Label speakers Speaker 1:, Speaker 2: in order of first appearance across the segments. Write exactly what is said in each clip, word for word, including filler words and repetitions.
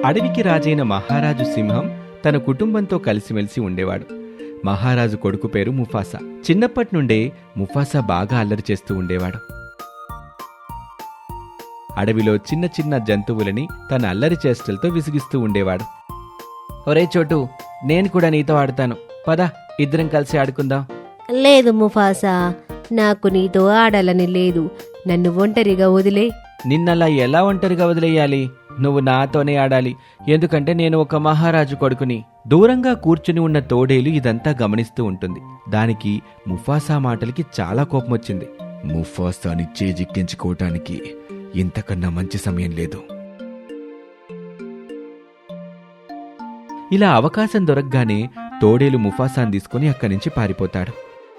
Speaker 1: అడవికి రాజైన మహారాజు సింహం తన కుటుంబంతో కలిసిమెలిసి ఉండేవాడు. మహారాజు కొడుకు పేరు ముఫాసా. చిన్నప్పటి నుండే ముఫాసా బాగా అల్లరి చేస్తూ ఉండేవాడు. అడవిలో చిన్న చిన్న జంతువులని తన అల్లరి చేష్టలతో విసిగిస్తూ ఉండేవాడు. ఒరే చోటు, నేను కూడా నీతో ఆడతాను, పద ఇద్దరం కలిసి ఆడుకుందాం.
Speaker 2: లేదు ముఫాసా, నాకు నీతో ఆడాలని లేదు, నన్ను ఒంటరిగా వదిలే.
Speaker 1: నిన్నలా ఎలా ఒంటరిగా వదిలేయాలి? నువ్వు నాతోనే ఆడాలి, ఎందుకంటే నేను ఒక మహారాజు కొడుకుని. దూరంగా కూర్చుని ఉన్న తోడేలు ఇదంతా గమనిస్తూ ఉంటుంది. దానికి ముఫాసా మాటలకి చాలా కోపం వచ్చింది. ముఫాసాని చేజిక్కించుకోవటానికి ఇంతకన్నా మంచి సమయం లేదు. ఇలా అవకాశం దొరకగానే తోడేలు ముఫాసాను తీసుకుని అక్కడి నుంచి పారిపోతాడు.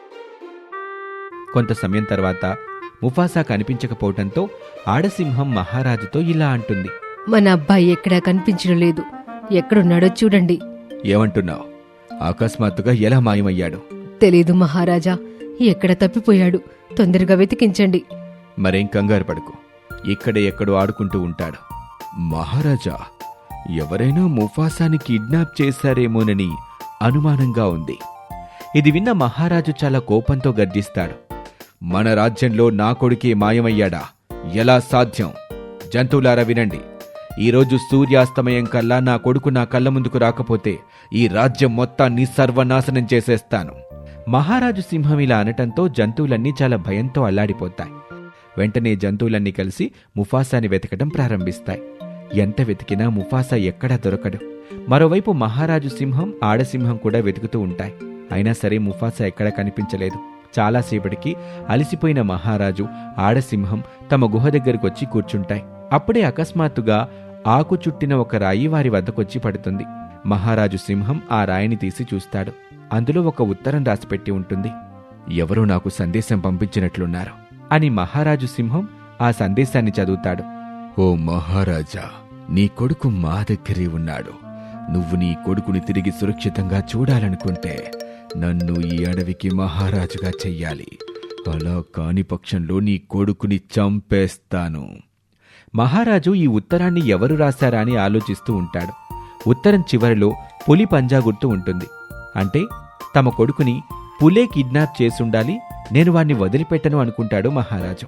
Speaker 1: కొంత సమయం తర్వాత ముఫాసా కనిపించకపోవటంతో ఆడసింహం మహారాజుతో ఇలా అంటుంది.
Speaker 2: మన అబ్బాయి ఎక్కడా కనిపించడం లేదు, ఎక్కడున్నాడో చూడండి.
Speaker 1: ఏమంటున్నావు? అకస్మాత్తుగా ఎలా మాయమయ్యాడు?
Speaker 2: తెలీదు మహారాజా, ఎక్కడ తప్పిపోయాడు, తొందరగా వెతికించండి.
Speaker 1: మరేం కంగారు పడుకు, ఇక్కడే ఎక్కడో ఆడుకుంటూ ఉంటాడు. మహారాజా, ఎవరైనా ముఫాసాని కిడ్నాప్ చేశారేమోనని అనుమానంగా ఉంది. ఇది విన్న మహారాజు చాలా కోపంతో గర్జిస్తాడు. మన రాజ్యంలో నా కొడుకే మాయమయ్యాడా? ఎలా సాధ్యం? జంతువులారా వినండి, ఈరోజు సూర్యాస్తమయం కల్లా నా కొడుకు నా కళ్ళ ముందుకు రాకపోతే ఈ రాజ్యం మొత్తాన్ని సర్వనాశనం చేసేస్తాను. మహారాజు సింహం ఇలా అనటంతో జంతువులన్నీ చాలా భయంతో అల్లాడిపోతాయి. వెంటనే జంతువులన్నీ కలిసి ముఫాసాని వెతకడం ప్రారంభిస్తాయి. ఎంత వెతికినా ముఫాసా ఎక్కడా దొరకడు. మరోవైపు మహారాజు సింహం ఆడసింహం కూడా వెతుకుతూ ఉంటాయి. అయినా సరే ముఫాసా ఎక్కడా కనిపించలేదు. చాలాసేపటికి అలసిపోయిన మహారాజు ఆడసింహం తమ గుహ దగ్గరకొచ్చి కూర్చుంటాయి. అప్పుడే అకస్మాత్తుగా ఆకు చుట్టిన ఒక రాయి వారి వద్దకొచ్చి పడుతుంది. మహారాజు సింహం ఆ రాయిని తీసి చూస్తాడు. అందులో ఒక ఉత్తరం రాసిపెట్టి ఉంటుంది. ఎవరో నాకు సందేశం పంపించినట్లున్నారు అని మహారాజు సింహం ఆ సందేశాన్ని చదువుతాడు. ఓ మహారాజా, నీ కొడుకు మా దగ్గరే ఉన్నాడు. నువ్వు నీ కొడుకుని తిరిగి సురక్షితంగా చూడాలనుకుంటే నన్ను ఈ అడవికి మహారాజుగా చెయ్యాలి. అలా కాని పక్షంలో నీ కొడుకుని చంపేస్తాను. మహారాజు ఈ ఉత్తరాన్ని ఎవరు రాశారా అని ఆలోచిస్తూ ఉంటాడు. ఉత్తరం చివరిలో పులి పంజా గుర్తు ఉంటుంది. అంటే తమ కొడుకుని పులే కిడ్నాప్ చేసుండాలి, నేను వాణ్ణి వదిలిపెట్టను అనుకుంటాడు మహారాజు.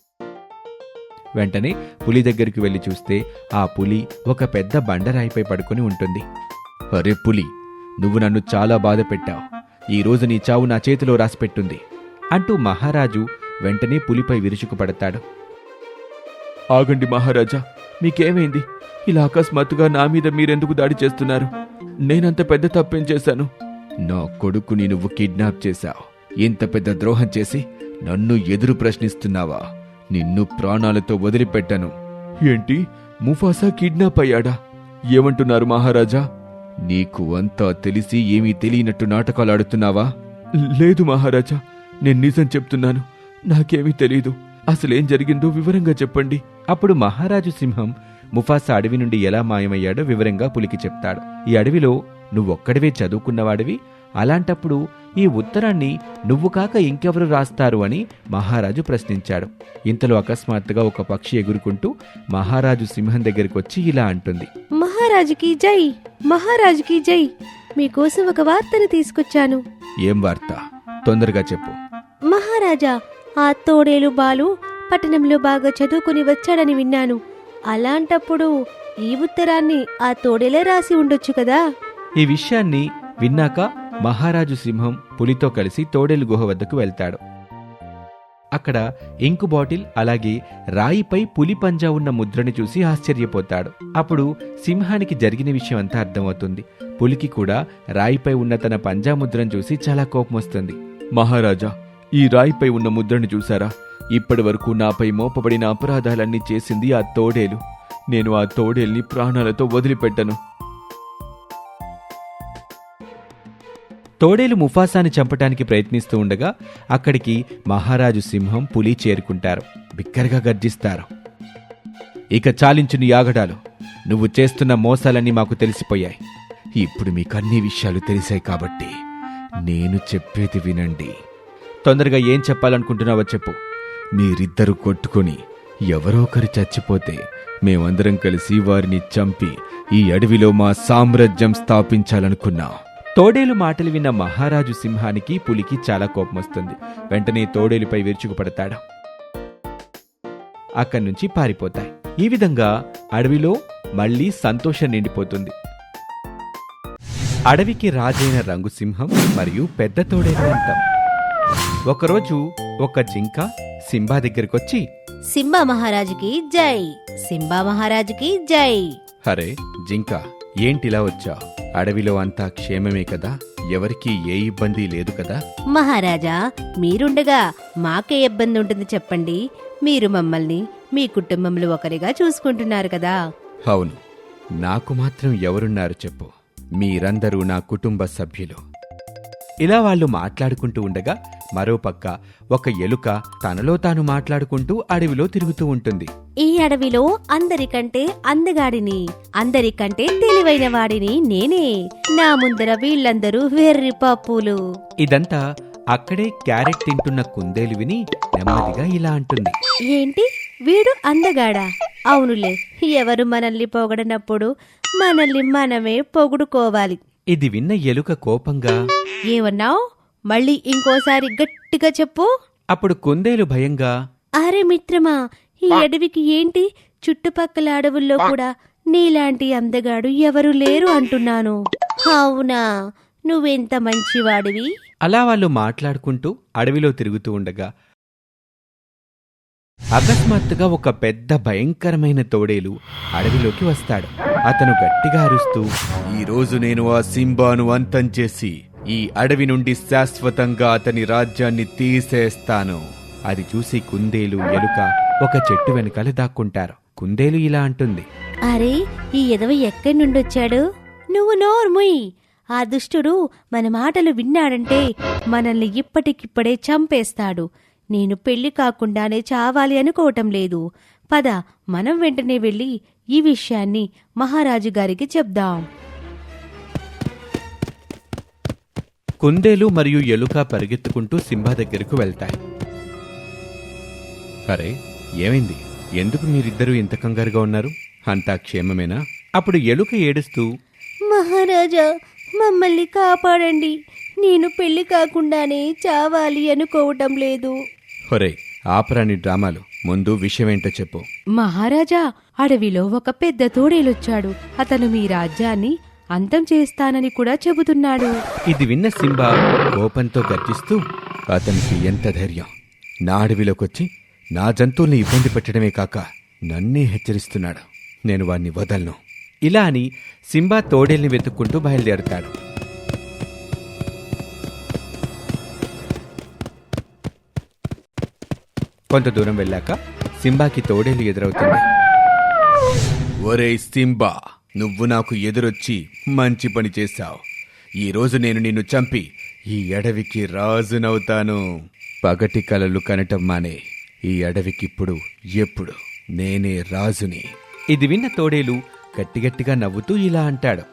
Speaker 1: వెంటనే పులి దగ్గరికి వెళ్లి చూస్తే ఆ పులి ఒక పెద్ద బండరాయిపై పడుకుని ఉంటుంది. అరే పులి, నువ్వు నన్ను చాలా బాధ పెట్టావు. ఈ రోజు నీ చావు నా చేతిలో రాసిపెట్టుంది అంటూ మహారాజు వెంటనే పులిపై విరుచుకుపడతాడు. ఆగండి మహారాజా, మీకేమైంది? ఇలా అకస్మాత్తుగా నా మీద మీరెందుకు దాడి చేస్తున్నారు? నేనంత పెద్ద తప్పేం చేశాను? నా కొడుకుని నువ్వు కిడ్నాప్ చేశావు. ఇంత పెద్ద ద్రోహం చేసి నన్ను ఎదురు ప్రశ్నిస్తున్నావా? నిన్ను ప్రాణాలతో వదిలిపెట్టను. ఏంటి, ముఫాసా కిడ్నాప్ అయ్యాడా? ఏమంటున్నారు మహారాజా? నీకు అంతా తెలిసి ఏమీ తెలియనట్టు నాటకాలాడుతున్నావా? లేదు మహారాజా, నేను నిజం చెప్తున్నాను. నాకేమీ తెలీదు. అసలేం జరిగిందో వివరంగా చెప్పండి. అప్పుడు మహారాజు సింహం ముఫాసా అడవి నుండి ఎలా మాయమయ్యాడో వివరంగా పులికి చెప్తాడు. ఈ అడవిలో నువ్వొక్కడివే చదువుకున్నవాడివి, అలాంటప్పుడు ఈ ఉత్తరాన్ని నువ్వు కాక ఇంకెవరు రాస్తారు అని మహారాజు ప్రశ్నించాడు. ఇంతలో అకస్మాత్తుగా ఒక పక్షి ఎగురుకుంటూ మహారాజు సింహం దగ్గరికి వచ్చి ఇలా అంటుంది.
Speaker 2: మహారాజుకి జై, మహారాజుకి జై, మీకోసం ఒక వార్తను తీసుకొచ్చాను.
Speaker 1: ఏం వార్త? తొందరగా చెప్పు.
Speaker 2: మహారాజా, ఆ తోడేలు బాలు పట్టణంలో బాగా చదువుకుని వచ్చాడని విన్నాను. అలాంటప్పుడు ఈ ఉత్తరాన్ని ఆ తోడేలే రాసి ఉండొచ్చు కదా?
Speaker 1: ఈ విషయాన్ని విన్నాక మహారాజు సింహం పులితో కలిసి తోడేలు గుహ వద్దకు వెళ్తాడు. అక్కడ ఇంకు బాటిల్ అలాగే రాయిపై పులి పంజా ఉన్న ముద్రని చూసి ఆశ్చర్యపోతాడు. అప్పుడు సింహానికి జరిగిన విషయం అంతా అర్థమవుతుంది. పులికి కూడా రాయిపై ఉన్న తన పంజా ముద్రను చూసి చాలా కోపం వస్తుంది. మహారాజా, ఈ రాయిపై ఉన్న ముద్రను చూసారా? ఇప్పటి వరకు నాపై మోపబడిన అపరాధాలన్నీ చేసింది ఆ తోడేలు. నేను ఆ తోడేల్ని ప్రాణాలతో వదిలిపెట్టను. తోడేలు ముఫాసాని చంపటానికి ప్రయత్నిస్తూ ఉండగా అక్కడికి మహారాజు సింహం పులి చేరుకుంటారు. బిక్కరగా గర్జిస్తారు. ఇక చాలించు నీ ఆగడాలు. నువ్వు చేస్తున్న మోసాలన్నీ మాకు తెలిసిపోయాయి. ఇప్పుడు మీకు అన్ని విషయాలు తెలిసాయి కాబట్టి నేను చెప్పేది వినండి. తొందరగా ఏం చెప్పాలనుకుంటున్నావో చెప్పు. మీరిద్దరూ కొట్టుకుని ఎవరో ఒకరు చచ్చిపోతే మేమందరం కలిసి వారిని చంపి ఈ అడవిలో మా సామ్రాజ్యం స్థాపించాలనుకున్నాం. తోడేలు మాటలు విన్న మహారాజు సింహానికి పులికి చాలా కోపం వస్తుంది. వెంటనే తోడేలుపై విరుచుకుపడతాడు. అక్కడి నుంచి పారిపోతాయి. ఈ విధంగా అడవిలో మళ్లీ సంతోషం నిండిపోతుంది. అడవికి రాజైన రంగు సింహం మరియు పెద్ద తోడేలు అంతం. ఒకరోజు ఒక జింక సింబా దగ్గరకొచ్చి,
Speaker 2: సింబా మహారాజుకి జై, సింబా మహారాజుకి జై.
Speaker 1: హరే జింక, ఏంటిలా వచ్చా? అడవిలో అంతా క్షేమమే కదా? ఎవరికీ ఏ ఇబ్బంది లేదు కదా?
Speaker 2: మహారాజా, మీరుండగా మాకే ఇబ్బంది ఉంటుంది చెప్పండి. మీరు మమ్మల్ని మీ కుటుంబంలో ఒకరిగా చూసుకుంటున్నారు కదా.
Speaker 1: అవును, నాకు మాత్రం ఎవరున్నారు చెప్పు? మీరందరూ నా కుటుంబ సభ్యులు. ఇలా వాళ్ళు మాట్లాడుకుంటూ ఉండగా మరోపక్క ఒక ఎలుక తనలో తాను మాట్లాడుకుంటూ అడవిలో తిరుగుతూ ఉంటుంది.
Speaker 2: ఈ అడవిలో అందరికంటే అందగాడిని, అందరికంటే తెలివైన వాడిని నేనే. నా ముందర వీళ్ళందరూ వెర్రి పప్పులు.
Speaker 1: ఇదంతా అక్కడే క్యారెట్ తింటున్న కుందేలు విని నెమ్మదిగా ఇలా అంటుంది.
Speaker 2: ఏంటి, వీడు అందగాడా? అవునులే, ఎవరు మనల్ని పొగడనప్పుడు మనల్ని మనమే పొగుడుకోవాలి.
Speaker 1: ఇది విన్న ఎలుక కోపంగా,
Speaker 2: ఏమన్నావ్? మళ్ళీ ఇంకోసారి గట్టిగా చెప్పు.
Speaker 1: అప్పుడు కుందేలు భయంగా,
Speaker 2: అరే మిత్రమా, ఈ అడవికి ఏంటి, చుట్టుపక్కల అడవుల్లో కూడా నీలాంటి అందగాడు ఎవరు లేరు అంటున్నాను. అవునా, నువ్వెంత మంచివాడివి.
Speaker 1: అలా వాళ్ళు మాట్లాడుకుంటూ అడవిలో తిరుగుతూ ఉండగా అకస్మాత్తుగా ఒక పెద్ద భయంకరమైన తోడేలు అడవిలోకి వస్తాడు. అతను గట్టిగా అరుస్తూ, ఈరోజు నేను ఆ సింబాను అంతం చేసి ఈ అడవి నుండి శాశ్వతంగా అతని రాజ్యాన్ని తీసేస్తాను. అది చూసి కుందేలు, ఎలుక ఒక చెట్టు వెనకాల దాక్కుంటారు. కుందేలు ఇలా అంటుంది,
Speaker 2: అరే, ఈ ఎదవ ఎక్కడి నుండొచ్చాడు? నువ్వు నోర్ముయ్. ఆ దుష్టుడు మన మాటలు విన్నాడంటే మనల్ని ఇప్పటికిప్పుడే చంపేస్తాడు. నేను పెళ్లి కాకుండానే చావాలి అనుకోవటం లేదు. పద, మనం వెంటనే వెళ్ళి ఈ విషయాన్ని మహారాజు గారికి చెప్దాం.
Speaker 1: కుందేలు మరియు ఎలుక పరిగెత్తుకుంటూ సింబా దగ్గరకు వెళ్తాయి. అరే, ఏమైంది? ఎందుకు మీరిద్దరూ ఇంత కంగారుగా ఉన్నారు? అంతా క్షేమమేనా? అప్పుడు ఎలుక ఏడుస్తూ,
Speaker 2: మహారాజా, మమ్మల్ని కాపాడండి. నేను పెళ్లి కాకుండానే చావాలి అనుకోవటం లేదు.
Speaker 1: ఒరే, ఆపరాని డ్రామాలు, ముందు విషయమేంటో చెప్పు.
Speaker 2: మహారాజా, అడవిలో ఒక పెద్ద తోడేలొచ్చాడు. అతను మీ రాజ్యాన్ని అంతం చేస్తానని కూడా చెబుతున్నాడు.
Speaker 1: ఇది విన్న సింబా కోపంతో గర్జిస్తూ, అతనికి ఎంత ధైర్యం! నా అడవిలోకొచ్చి నా జంతువుల్ని ఇబ్బంది పెట్టడమే కాక నన్నే హెచ్చరిస్తున్నాడు. నేను వాణ్ణి వదలను. ఇలా అని సింబా తోడేల్ని వెతుక్కుంటూ బయలుదేరుతాడు. కొంత దూరం వెళ్ళాక సింబాకి తోడేలు ఎదురవుతుంది. ఒరే సింబా, నువ్వు నాకు ఎదురొచ్చి మంచి పని చేశావు. ఈరోజు నేను నిన్ను చంపి ఈ అడవికి రాజునవుతాను. పగటి కలలు కనటం మానే. ఈ అడవికిప్పుడు ఎప్పుడు నేనే రాజుని. ఇది విన్న తోడేలు గట్టిగట్టిగా నవ్వుతూ ఇలా అంటాడు,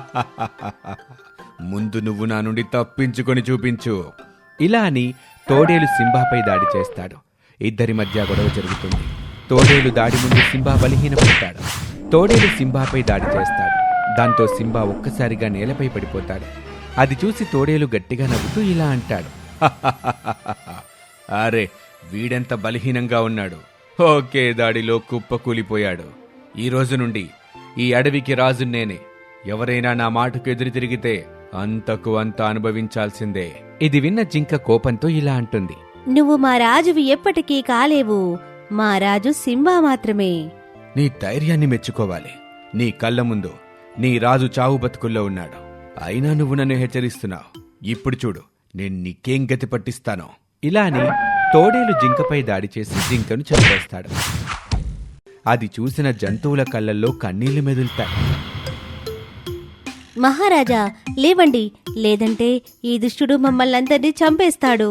Speaker 1: ముందు నువ్వు నా నుండి తప్పించుకొని చూపించు. ఇలా అని తోడేలు సింబాపై దాడి చేస్తాడు. ఇద్దరి మధ్య గొడవ జరుగుతుంది. తోడేలు దాడి ముందు సింబా బలహీనపడతాడు. తోడేలు సింబాపై దాడి చేస్తాడు. దాంతో సింబా ఒక్కసారిగా నేలపై పడిపోతాడు. అది చూసి తోడేలు గట్టిగా నవ్వుతూ ఇలా అంటాడు, అరే, వీడెంత బలహీనంగా ఉన్నాడు. ఓకే దాడిలో కుప్పకూలిపోయాడు. ఈ రోజు నుండి ఈ అడవికి రాజు నేనే. ఎవరైనా నా మాటకు ఎదురు తిరిగితే అంతకు అంత అనుభవించాల్సిందే. ఇది విన్న జింక కోపంతో ఇలా అంటుంది,
Speaker 2: నువ్వు మా రాజువి ఎప్పటికీ కాలేవు. మా రాజు సింబా మాత్రమే.
Speaker 1: నీ ధైర్యాన్ని మెచ్చుకోవాలి. నీ కళ్ళ ముందు నీ రాజు చావు బతుకుల్లో ఉన్నాడు. అయినా నువ్వు నన్ను హెచ్చరిస్తున్నావు. ఇప్పుడు చూడు, నేను నీకేం గతి పట్టిస్తానో. ఇలా అని తోడేలు జింకపై దాడి చేసి జింకను చంపేస్తాడు. అది చూసిన జంతువుల కళ్ళల్లో కన్నీళ్లు మెదులుతాయి.
Speaker 2: మహారాజా, లేవండి, లేదంటే ఈ దుష్టుడు మమ్మల్ని అందరినీ చంపేస్తాడు.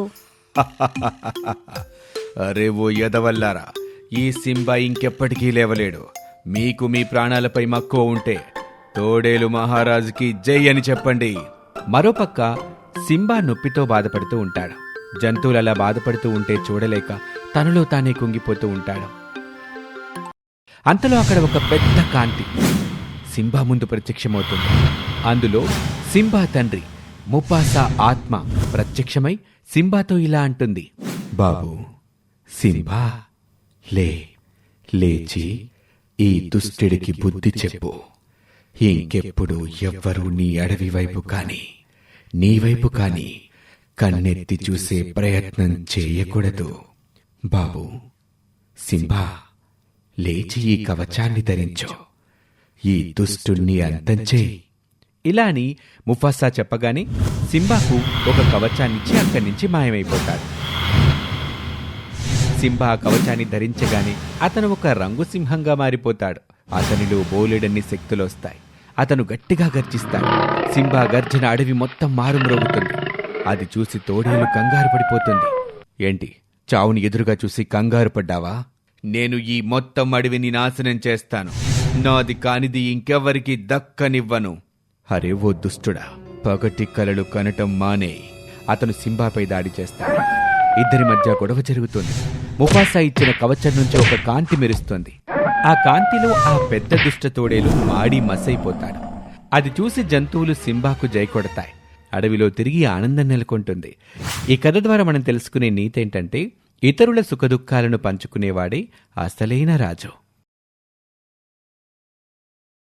Speaker 1: అరే ఓ ఎదవల్లారా, ఈ సింబా ఇంకెప్పటికీ లేవలేడు. మీకు మీ ప్రాణాలపై మక్కువ ఉంటే తోడేలు మహారాజుకి జై అని చెప్పండి. మరోపక్క సింబా నొప్పితో బాధపడుతూ ఉంటాడు. జంతువులలా బాధపడుతూ ఉంటే చూడలేక తనలో తానే కుంగిపోతూ ఉంటాడు. అంతలో అక్కడ ఒక పెద్ద కాంతి సింబా ముందు ప్రత్యక్షమవుతుంది. అందులో సింబా తండ్రి ముఫాసా ఆత్మ ప్రత్యక్షమై సింబాతో ఇలా అంటుంది, బాబు సింబా, లే లేచి ఈ దుష్టుడికి బుద్ధి చెప్పు. ఇంకెప్పుడు ఎవ్వరూ నీ అడవి వైపు కాని నీ వైపు కాని కన్నెత్తి చూసే ప్రయత్నం చేయకూడదు. బాబు సింబా, లేచి ఈ కవచాన్ని ధరించు. ఈ దుష్టుణ్ణి అంతం చేయి. ఇలా అని ముఫాసా చెప్పగానే సింబాకు ఒక కవచాన్నిచ్చి అక్కడి నుంచి మాయమైపోతాడు. సింబా ఆ కవచాన్ని ధరించగానే అతను ఒక రంగు సింహంగా మారిపోతాడు. అతనిలో బోలెడన్ని శక్తులొస్తాయి. అతను గట్టిగా గర్జిస్తాడు. సింబా గర్జన అడవి మొత్తం మారుమ్రోగుతుంది. అది చూసి తోడేలు కంగారు పడిపోతుంది. ఏంటి, చావుని ఎదురుగా చూసి కంగారు పడ్డావా? నేను ఈ మొత్తం అడవిని నాశనం చేస్తాను. నాది కానిది ఇంకెవ్వరికి దక్కనివ్వను. అరే ఓ దుష్టుడా, పగటి కలలు కనటం మానే. అతను సింబాపై దాడి చేస్తాడు. ఇద్దరి మధ్య గొడవ జరుగుతుంది. ముఫాసా ఇచ్చిన కవచం నుంచి ఒక కాంతి మెరుస్తుంది. ఆ కాంతిలో ఆ పెద్ద దుష్ట తోడేలు మాడి మసైపోతాడు. అది చూసి జంతువులు సింబాకు జై కొడతాయి. అడవిలో తిరిగి ఆనందం నెలకొంటుంది. ఈ కథ ద్వారా మనం తెలుసుకునే నీతి ఏంటంటే, ఇతరుల సుఖదుఖాలను పంచుకునేవాడే అసలైన రాజు.